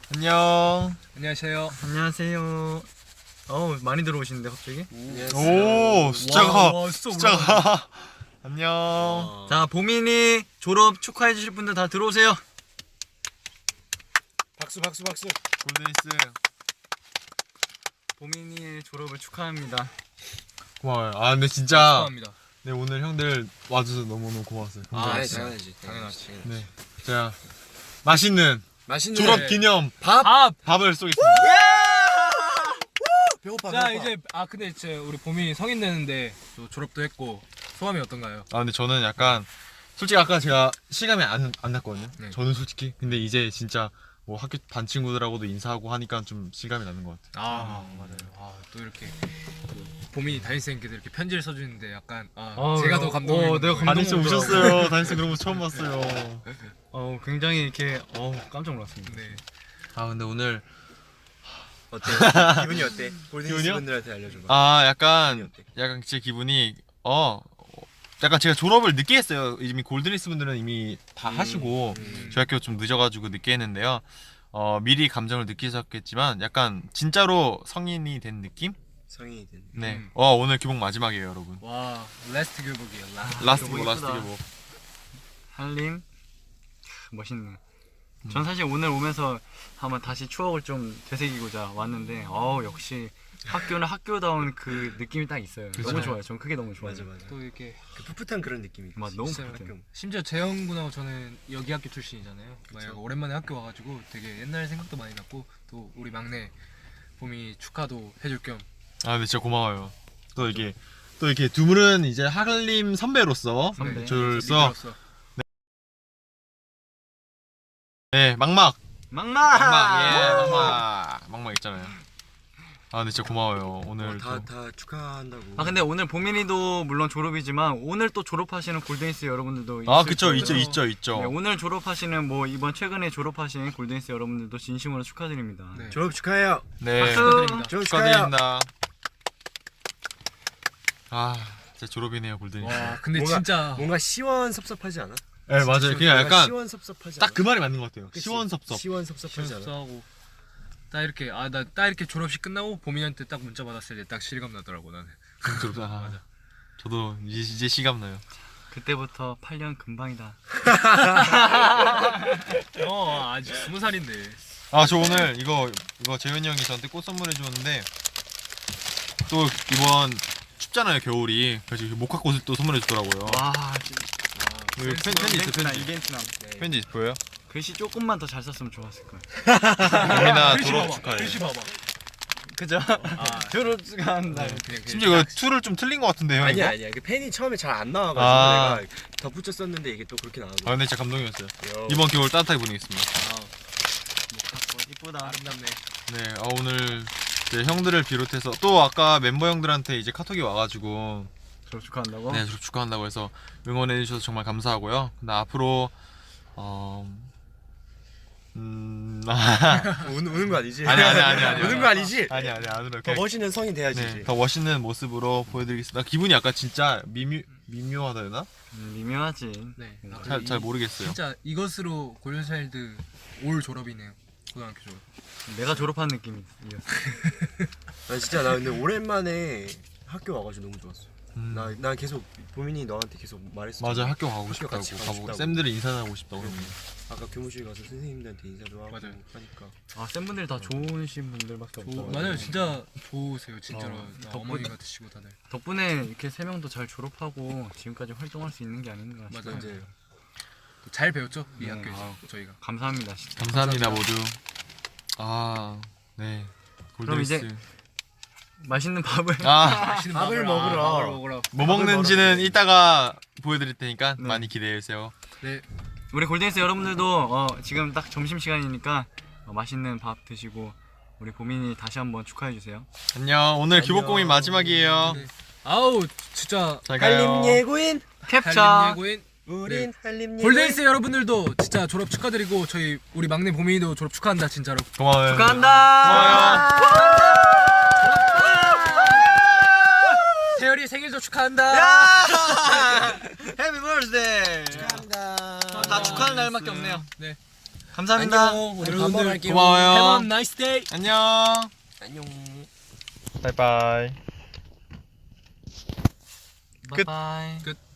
안녕. 안녕하세요. 안녕하세요. 많이 들어오시는데 갑자기? 오, 숫자가 와, 숫자가 안녕. 자, 보민이 졸업 축하해 주실 분들 다 들어오세요. 박수 박수 박수. 골든리스 보민이의 졸업을 축하합니다. 고마워요. 아 근데 진짜 축하합니다. 네 오늘 형들 와줘서 너무너무 고마웠어요. 당연하지. 네, 제가 맛있는 맛있는 졸업 기념 밥. 밥을 쏘겠습니다. 배고파. 자 이제 근데 이제 우리 봄이 성인 되는데 또 졸업도 했고 소감이 어떤가요? 아 근데 저는 약간 솔직히 아까 제가 실감이 안 났거든요. 네. 저는 솔직히 근데 이제 진짜 뭐 학교 반 친구들하고도 인사하고 하니까 좀 실감이 나는 것 같아요. 맞아요. 또 이렇게 봄이 담임쌤께서 이렇게 편지를 써주는데 약간 아, 제가 더 감동을. 내가 받는 거예요. 담임쌤 우셨어요. 담임쌤 그런 거 처음 봤어요. 굉장히 이렇게 깜짝 놀랐습니다. 네. 아 근데 오늘 어때? 기분이 어때? 골든리스 기분이요? 분들한테 알려줘봐. 아 기분이 약간 어때? 제 기분이 약간 제가 졸업을 늦게 했어요. 이미 골든리스 분들은 이미 다 하시고 저희 학교 좀 늦어가지고 늦게 했는데요. 미리 감정을 느끼셨겠지만 약간 진짜로 성인이 된 느낌? 성인이 된. 네. 오늘 교복 마지막이에요, 여러분. 와 라스트 교복이에요. 라스트 교복 라스트 이쁘다. 교복. 한림 멋있네. 전 사실 오늘 오면서 한번 다시 추억을 좀 되새기고자 왔는데 역시 학교는 학교다운 그 느낌이 딱 있어요. 그쵸. 너무 좋아요. 전 그게 너무 좋아요. 맞아. 또 이렇게 그 풋풋한 그런 느낌이. 맞아, 너무 진짜 풋풋해. 학교. 심지어 재영 군하고 저는 여기 학교 출신이잖아요. 막 오랜만에 학교 와가지고 되게 옛날 생각도 많이 났고 또 우리 막내 봄이 축하도 해줄 겸. 아 근데 진짜 고마워요. 또 이렇게 두 분은 이제 한림 선배로서 선배. 저로서 리더로서. 네 막막 막막. 막막 있잖아요. 아 근데 진짜 고마워요. 오늘 다 축하한다고. 근데 오늘 보민이도 물론 졸업이지만 오늘 또 졸업하시는 골든리스 여러분들도 그쵸 있을 거예요. 있죠. 네, 오늘 졸업하시는 뭐 이번 최근에 졸업하신 골든리스 여러분들도 진심으로 축하드립니다. 네. 졸업 축하해요. 네. 박수. 축하드립니다. 졸업 축하해요. 축하드립니다. 진짜 졸업이네요 골든리스. 와 근데 뭔가- 진짜 뭔가 시원섭섭하지 않아? 네 맞아요. 그냥 약간 시원섭섭하지 딱 않아? 그 말이 맞는 것 같아요. 그치? 시원섭섭. 시원섭섭하지 않아? 시원하고 딱 이렇게 나 딱 이렇게 졸업식 끝나고 봄이한테 딱 문자 받았을 때 딱 실감 나더라고 나는. 맞아. 저도 이제 시감 나요. 그때부터 8년 금방이다. 아직 20살인데. 저 오늘 이거 재현이 형이 저한테 꽃 선물해 주었는데 또 이번 춥잖아요 겨울이. 그래서 목화꽃을 또 선물해 주더라고요. 와, 여기 편지 있어 편지. 이벤트나. 편지 보여요? 글씨 조금만 더 잘 썼으면 좋았을 거예요. 봄이나 글씨 졸업 봐봐. 축하해. 글씨 봐봐. 그죠? 졸업 축하한다. 그냥 심지어 이거 툴을 좀 틀린 것 같은데요. 아니야. 이거? 그 펜이 처음에 잘 안 나와가지고 내가 덧붙여 썼는데 이게 또 그렇게 나오더라고. 근데 진짜 감동이었어요. 이번 겨울 따뜻하게 보내겠습니다. 이쁘다. 아름답네. 네, 오늘 이제 형들을 비롯해서 또 아까 멤버 형들한테 이제 카톡이 와가지고 졸업 축하한다고? 네 졸업 축하한다고 해서 응원해 주셔서 정말 감사하고요. 근데 앞으로 우는 거 아니지? 아니. 우는 거 아니지? 아니 안 울어요. 더 멋있는 성인 돼야지. 네, 더 멋있는 모습으로 보여드리겠습니다. 기분이 약간 진짜 미묘하다 해나? 미묘하지. 네. 잘 모르겠어요. 진짜 이것으로 골든차일드 올 졸업이네요. 고등학교 졸업. 내가 졸업한 느낌이었어. 나 근데 오랜만에 학교 와가지고 너무 좋았어. 음. 나 계속 보민이 너한테 계속 말했어. 맞아 학교 가고 학교 싶다고 같이 가고 가보고 싶다고. 쌤들이 인사하고 싶다고 그러고. 아까 교무실 가서 선생님들한테 인사도 하고 맞아요. 하니까. 팬분들 다 좋으신 분들밖에 없어. 맞아요. 진짜 좋으세요. 진짜로. 덕분- 어머니 같으시고 다들. 덕분에 이렇게 세 명도 잘 졸업하고 지금까지 활동할 수 있는 게 아닌가 싶어요. 맞아요. 이제 또잘 배웠죠? 이 네, 학교에서 저희가. 감사합니다, 진짜. 감사합니다 모두. 네. 그럼 이제 골드리스. 맛있는 밥을 맛있는 밥을 먹으러. 밥을 먹으러. 뭐 먹는지는 이따가 보여드릴 테니까 네. 많이 기대해 주세요. 네. 우리 골든리스 여러분들도 지금 딱 점심 시간이니까 맛있는 밥 드시고 우리 보민이 다시 한번 축하해 주세요. 안녕. 오늘 교복 공인 마지막이에요. 네. 아우 진짜 잘 가요. 한림 예고인, 캡처. 한림 예고인 우린 한림 예고인. 골든리스 여러분들도 진짜 졸업 축하드리고 저희 우리 막내 봄이도 졸업 축하한다 진짜로. 고마워요. 축하한다. 태열이 생일도 축하한다. 해피 버스데이. 축하합니다. 다 축하하는 날밖에 없네요. 네. 감사합니다. 안녕. 우리 밥 여러분들 먹으러 갈게요. 고마워요. Have a nice day. 안녕. 안녕. 바이바이. 끝. 바이바이. 끝.